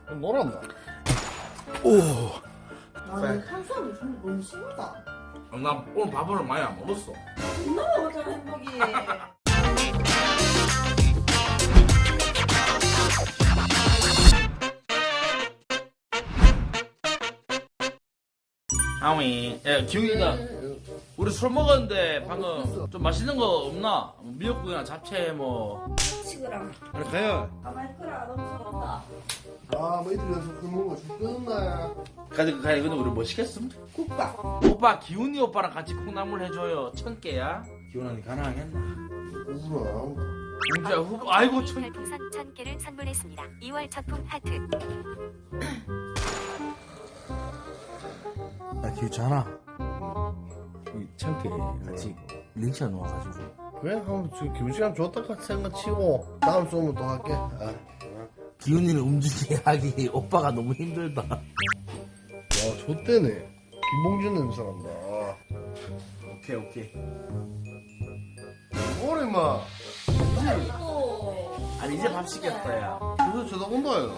놀았나? 오. 아, 탄수화물 좀 너무 심하다. 나 오늘 밥을 많이 안 먹었어. 존나 먹었잖아, 행복이. 아미, 야, 기웅이가 우리 술 먹었는데 방금 좀 맛있는 거 없나? 미역국이나 잡채 뭐. 치그랑. 그래 가요. 가만히 있거라. 너무 서럽다. 아, 뭐 이틀 연속 술 먹은 거죽 끊었나? 근데 우리 뭐 시켰음? 국밥. 오빠 기훈이 오빠랑 같이 콩나물 해줘요. 1000개야. 기훈아 가능하겠나? 우울하. 진짜 후보 아이고 천. 별풍선 1000개를 선물했습니다. 2월 첫풍 하트. 나 기우잖아. 이 1000개 같이 링치가 놓아가지고. 그래? 한번 지금 기분시간 좋다 생각 치고 다음 쏘면 또 할게. 아. 기훈이는 움직이기 오빠가 너무 힘들다. 와, 좆대네. 김봉준 냄새 난다. 오케이. 뭐래, 마. 또. 아니 이제 밥 시켰어요. 그래서 쳐다본다, 얘가.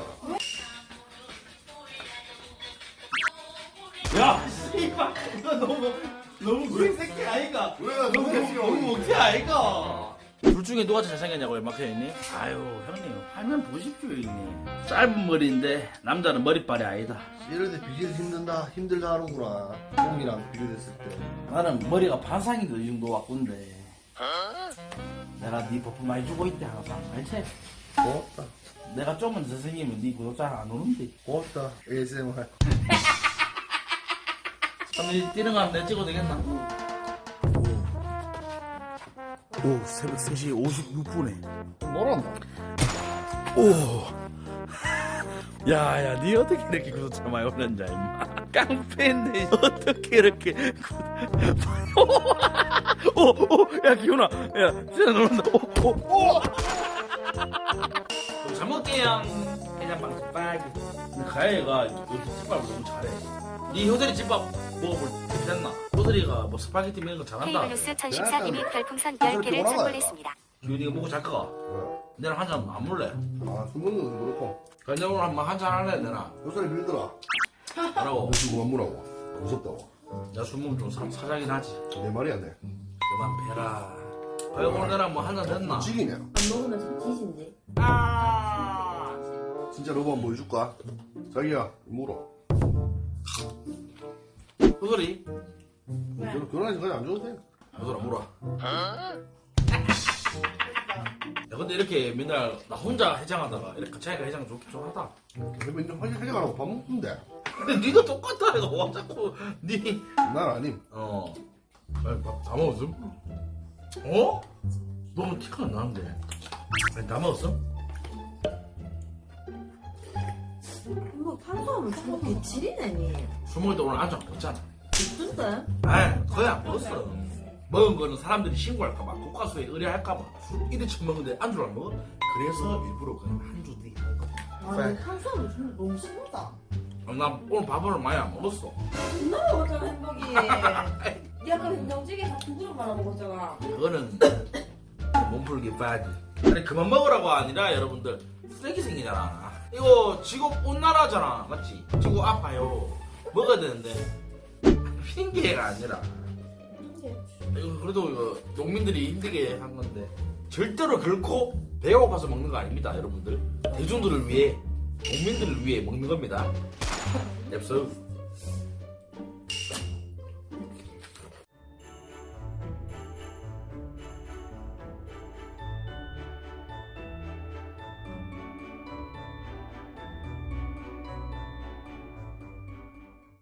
야, 씨발 이거 너무 개새끼 아이가. 왜? 너무 못해 아이가. 둘 중에 누가 더 잘생겼냐고 연막해 있니? 아유 형님 화면 보십시오 형님. 짧은 머리인데 남자는 머리빨이 아니다. 이럴 때 비교해서 힘들다 하는구나. 형이랑 비교했을 때. 나는 머리가 반상인데 이 정도 왔군데. 내가 네 버프 많이 주고 있대 항상 알지? 고맙다. 내가 좀만 더 생기면 네 구독자 안 오는데. 고맙다. ASMR. 그럼 뛰는 거 한번 내 찍어도 되겠나? 오, 새벽 3시 56분에. 놀았나? 오. 야, 니 어떻게 이렇게 구독자 많이 올렸냐, 임마. 깡패인데 어떻게 이렇게 야, 기훈아. 야, 진짜 놀란다. 그럼 잘 먹게요. 그냥 방식 빠기. 근데 가야이가 요새 집밥을 너무 잘해. 네 효들이 집밥 먹어볼 때 됐나? 효들이가 뭐 스파게티 이런 거 잘한다. 케이블뉴스 1014님이 별풍선 10개를 선물했습니다. 기훈이가 먹고 잘 거가. 내랑 한잔 안 먹을래? 아, 술 먹는 것도 그렇고. 그냥 오늘 한번 한잔 할래 내나? 요새는 빌더라. 뭐라고? 너 지금 안 물어고. 무섭다고. 내가 술 먹으면 좀 사자긴 하지. 내 말이 안 돼. 그만 배라. 아이 오늘 내랑 뭐 한잔 됐나? 지기네. 안 먹으면 좀 뒤진데. 아. 진짜 로봇 한번 보여줄까? 자기야, 물어. 효들이? 결혼하지 그냥 안 줘도 돼. 효들아 물어. 야 근데 이렇게 맨날 나 혼자 해장하다가 이렇게 자기가 해장 좋긴 하다. 근데 이제 화장 안 하고 밥 먹는데. 근데 니도 똑같다 이거 와 자꾸 니 난 아님. 아니 밥다 먹었음? 어? 너무 티가 안 나는데 아니 다 먹었음? 행복 탄수화물 좀 개칠이네, 니. 술 먹을 때 오늘 안주 안 먹었잖아. 어떤데? 아이 거의 안 먹었어. 먹은 거는 사람들이 신고할까봐 국가수에 의뢰할까봐 술 이래 처먹는데 안주를 안 먹어? 그래서 일부러 그냥 한주 뒤 아, 탄수화물 좀 너무 심하다. 나 오늘 밥을 많이 안 먹었어. 존나 먹었잖아, 행복이. 니 아까 된장찌개 다 두 그릇 말아 먹었잖아. 그거는 몸풀기 빠지. 아니 그만 먹으라고 아니라 여러분들 쓰레기 생기잖아. 이거 지구 온난화잖아, 맞지? 지구 아파요. 먹어야 되는데 핑계가 아니라 이거 그래도 이거 농민들이 힘들게 한 건데 절대로 결코 배가 고파서 먹는 거 아닙니다, 여러분들. 대중들을 위해, 농민들을 위해 먹는 겁니다. 냅서.